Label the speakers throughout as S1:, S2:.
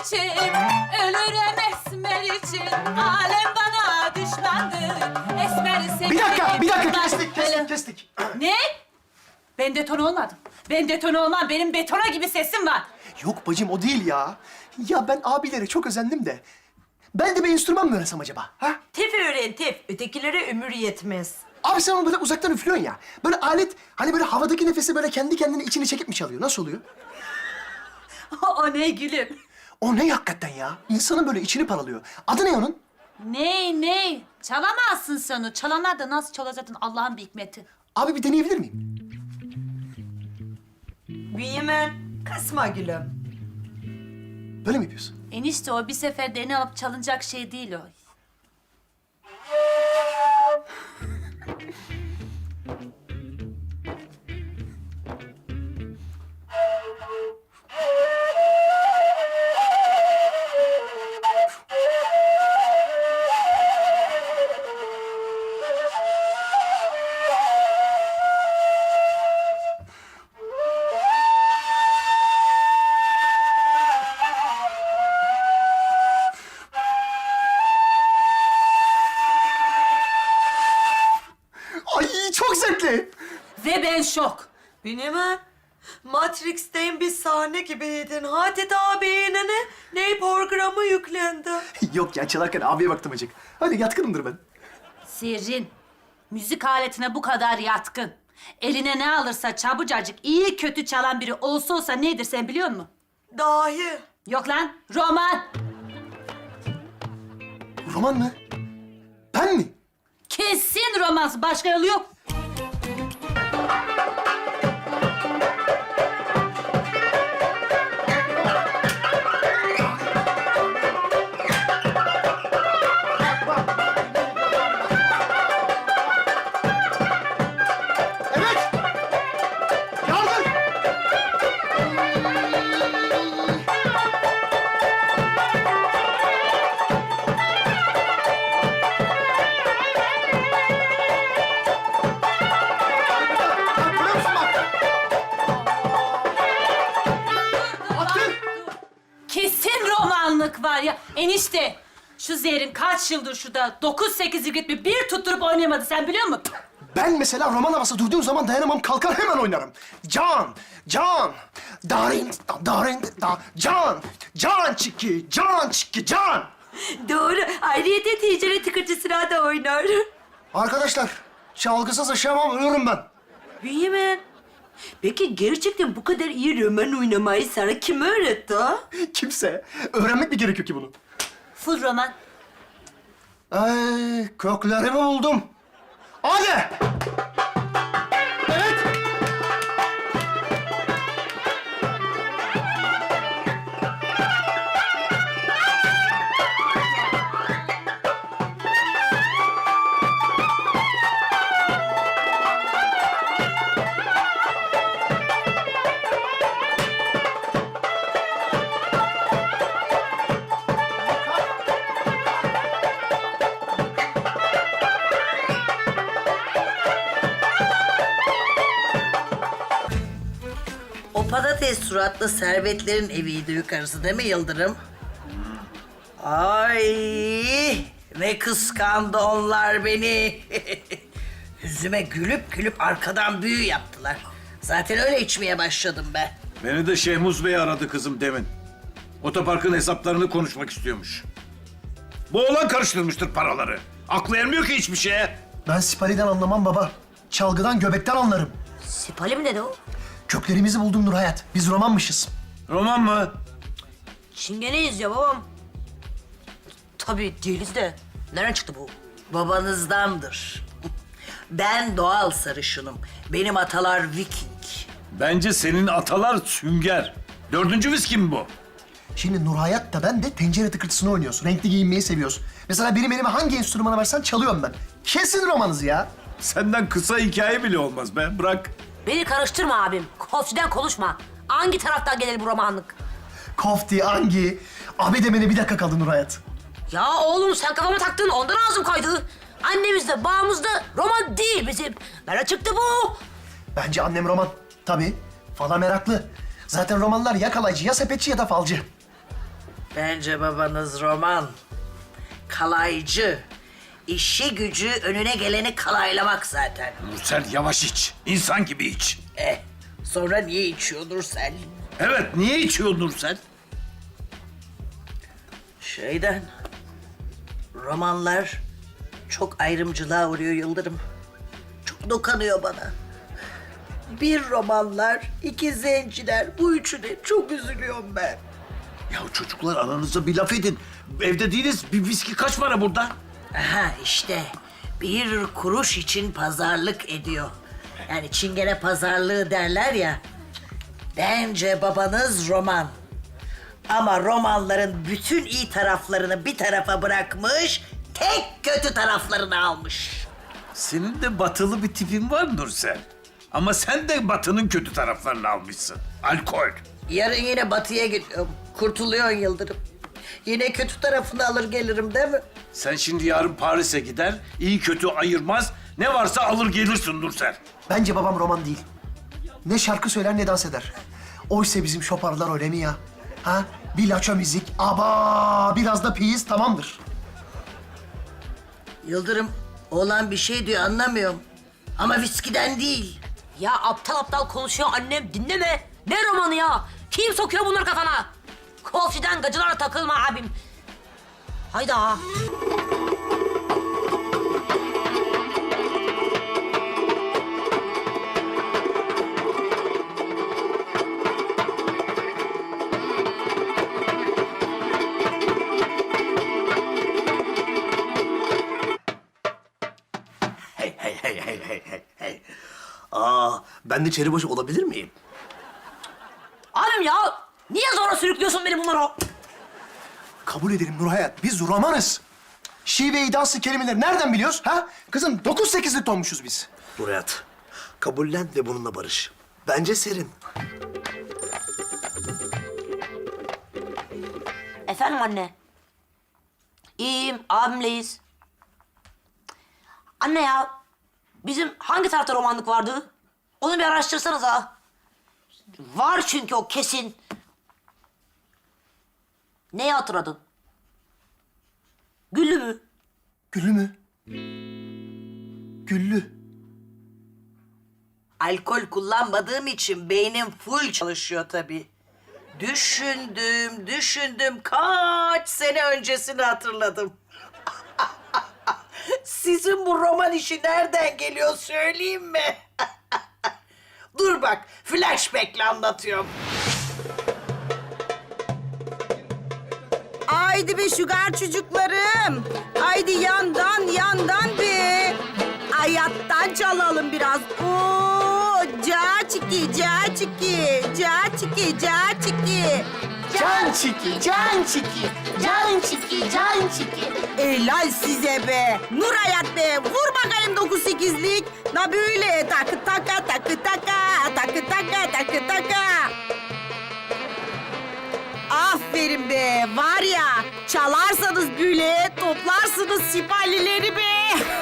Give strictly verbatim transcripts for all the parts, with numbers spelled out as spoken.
S1: için, ölürüm esmer için. Alem bana düşmandır, esmer seni...
S2: Bir dakika, bir dakika.
S1: Ben-
S2: Kestik, kestik, kestik.
S1: Ne? Ben deton olmadım. Ben deton olmam. Benim betona gibi sesim var.
S2: Yok bacım, o değil ya. Ya ben abilere çok özendim de. Ben de bir enstrüman mı öğrensem acaba? Ha?
S3: Tef öğren tef. Ötekilere ömür yetmez.
S2: Abi sen onu böyle uzaktan üflüyorsun ya. Böyle alet, hani böyle havadaki nefesi böyle kendi kendine içine çekip mi çalıyor? Nasıl oluyor?
S1: O ne gülüm?
S2: O ne hakikaten ya? İnsanın böyle içini paralıyor. Adı ne onun?
S1: Ne ne? Çalamazsın sen onu. Çalanlar da nasıl çalacaksın Allah'ın bir hikmeti.
S2: Abi bir deneyebilir miyim?
S3: Bünyamin, kasma gülüm.
S2: Böyle mi yapıyorsun?
S1: Enişte o bir seferde eline alıp çalınacak şey değil o.
S2: Ay çok zevkli.
S1: Ve ben şok.
S3: Bünyamin, Matrix'ten bir sahne gibiydin. Hatet abine ne? Ne programı yüklendi?
S2: Yok ya, çalarken abiye baktım acık. Hadi yatkınımdır ben.
S1: Sirrin, müzik aletine bu kadar yatkın. Eline ne alırsa çabucacık iyi kötü çalan biri olsa olsa nedir sen biliyor musun?
S3: Dahi.
S1: Yok lan, roman.
S2: Roman mı? Ben mi?
S1: Kesin romans, başka yolu yok.
S2: Evet. Yardım. Bak, görüyor musun bak? Attın.
S1: Kesin romanlık var ya. Enişte, şu Zehrin kaç yıldır şurada dokuz sekiz yıl bir bir tutturup oynayamadı sen biliyor musun?
S2: Ben mesela roman havası duyduğum zaman dayanamam, kalkar hemen oynarım. Can, can, darin, darin, da, can, can çiki, can çiki, can.
S3: Doğru. Ayrıyeten tencere tıkırtısına da oynar.
S2: Arkadaşlar, çalgısız yaşayamam, ölürüm ben.
S3: Bünyamin, peki gerçekten bu kadar iyi roman oynamayı sana kim öğretti ha?
S2: Kimse. Öğrenmek mi gerekiyor ki bunu?
S1: Full roman.
S2: Ay, köklerimi buldum. Hadi. Evet.
S4: O patates suratlı servetlerin eviydi yukarısı değil mi Yıldırım? Ay ne kıskandı onlar beni. Yüzüme gülüp gülüp arkadan büyü yaptılar. Zaten öyle içmeye başladım ben.
S5: Beni de Şehmuz Bey aradı kızım demin. Otoparkın hesaplarını konuşmak istiyormuş. Bu oğlan karıştırmıştır paraları. Aklı ermiyor ki hiçbir şeye.
S2: Ben Sipari'den anlamam baba. Çalgıdan, göbekten anlarım.
S3: Sipali mi dedi o?
S2: Köklerimizi buldum Nur Hayat. Biz romanmışız.
S5: Roman mı?
S3: Çingeneyiz ya babam. Tabii değiliz de. Nereden çıktı bu?
S4: Babanızdandır. Ben doğal sarışınım. Benim atalar Viking.
S5: Bence senin atalar sünger. Dördüncü viski mi bu?
S2: Şimdi Nur Hayat da ben de tencere tıkırtısını oynuyoruz. Renkli giyinmeyi seviyoruz. Mesela benim elime hangi enstrümanı versen çalıyorum ben. Kesin romanız ya.
S5: Senden kısa hikaye bile olmaz be. Bırak.
S6: Beni karıştırma abim. Kofçiden konuşma. Hangi taraftan gelir bu romanlık?
S2: Kofti, Angi. Abi demene bir dakika kaldı Nur Hayat.
S6: Ya oğlum sen kafama taktın ondan ağzım kaydı. Annemizde, babamızda roman değil bizim. Nerede çıktı bu?
S2: Bence annem roman. Tabii. Fala meraklı. Zaten romanlar ya kalaycı, ya sepetçi ya da falcı.
S4: Bence babanız roman. Kalaycı. İşi gücü önüne geleni kalaylamak zaten.
S5: Nursel yavaş iç. İnsan gibi iç.
S4: Eh, sonra niye içiyor Nursel?
S5: Evet, niye içiyor Nursel?
S4: Şeyden, romanlar çok ayrımcılığa uğruyor Yıldırım. Çok dokanıyor bana. Bir romanlar, iki zenciler, bu üçüne çok üzülüyorum ben.
S5: Ya çocuklar aranızda bir laf edin. Evde değiliz. Bir viski kaç para burada?
S4: Aha işte, bir kuruş için pazarlık ediyor. Yani çingene pazarlığı derler ya. Bence babanız roman. Ama romanların bütün iyi taraflarını bir tarafa bırakmış, tek kötü taraflarını almış.
S5: Senin de batılı bir tipin var Nursel. Ama sen de batının kötü taraflarını almışsın. Alkol.
S4: Yarın yine batıya gidiyorum. Kurtuluyorsun Yıldırım. Yine kötü tarafını alır gelirim değil mi?
S5: Sen şimdi yarın Paris'e gider, iyi kötü ayırmaz, ne varsa alır gelirsin Nursel.
S2: Bence babam roman değil. Ne şarkı söyler ne dans eder. Oysa bizim şoparlar öyle mi ya? Ha? Bir laço müzik, aba biraz da piyiz tamamdır.
S4: Yıldırım, oğlan bir şey diyor anlamıyorum. Ama viskiden değil.
S6: Ya aptal aptal konuşuyor annem, dinleme. Ne romanı ya? Kim sokuyor bunları kafana? Kolçiden gacılara takılma abim. Hayda.
S2: Hey hey hey hey hey hey hey. Aa, ben de çeribaşı olabilir miyim?
S6: Abim ya, niye zora sürüklüyorsun beni bunlara?
S2: Kabul ederim Nurhayat, biz romanız. Şive-i dansı kelimeleri nereden biliyoruz ha? Kızım dokuz sekizlik olmuşuz biz.
S7: Nurhayat, kabullen ve bununla barış. Bence serin.
S6: Efendim anne. İyiyim, abimleyiz. Anne ya, bizim hangi tarafta romanlık vardı? Onu bir araştırsanız ha. Var çünkü o kesin. Neyi hatırladın? Güllü mü?
S2: Güllü mü? Güllü.
S4: Alkol kullanmadığım için beynim full çalışıyor tabii. Düşündüm, düşündüm. Kaç sene öncesini hatırladım. Sizin bu roman işi nereden geliyor söyleyeyim mi? Dur bak, flashback'le anlatıyorum.
S8: Haydi be şugar çocuklarım. Haydi yandan yandan be. Hayattan çalalım biraz. Oo, ca çiki, ca çiki, ca çiki, ca çiki.
S2: Can çiki, can çiki, can çiki, can çiki.
S8: Helal size be. Nur hayat be. Vur bakayım dokuz sekizlik. Na böyle takı taka, takı taka, takı taka, takı taka. Aferin be. Var ya, çalarsanız böyle toplarsınız siparileri be.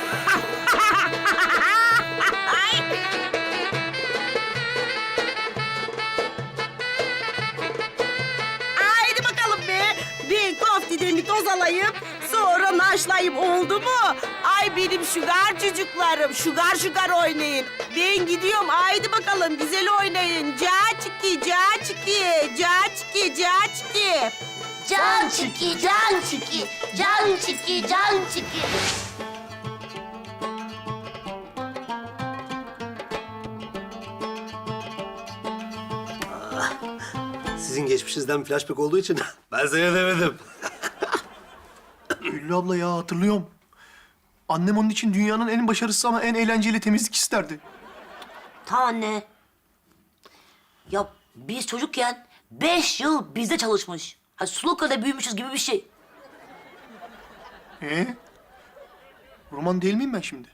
S8: Haydi bakalım be. Bir koftiden bir toz alayım. Sonra naşlayayım oldu mu? Ay benim şugar çocuklarım. Şugar şugar oynayın. Ben gidiyorum. Haydi bakalım güzel oynayın. Ca çiki, ca çiki, ca çiki, ca çiki.
S9: Can çiki, can çiki, can çiki, can çiki.
S7: Sizin geçmişinizden flashback olduğu için ben seyredemedim.
S2: Güllü abla ya hatırlıyorum. Annem onun için dünyanın en başarısız ama en eğlenceli temizlik isterdi.
S6: Tamam anne. Ya biz çocukken beş yıl bizde çalışmış. Ha Suluka'da büyümüşüz gibi bir şey.
S2: Ee? Roman değil miyim ben şimdi?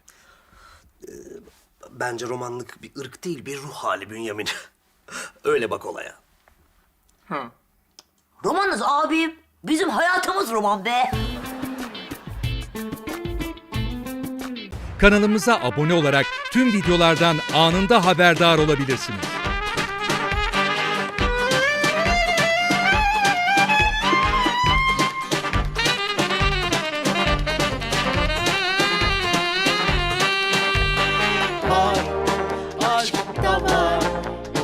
S7: Bence romanlık bir ırk değil, bir ruh hali Bünyamin. Öyle bak olaya.
S2: Ha.
S6: Romanız abim. Bizim hayatımız roman be.
S10: Kanalımıza abone olarak tüm videolardan anında haberdar olabilirsiniz.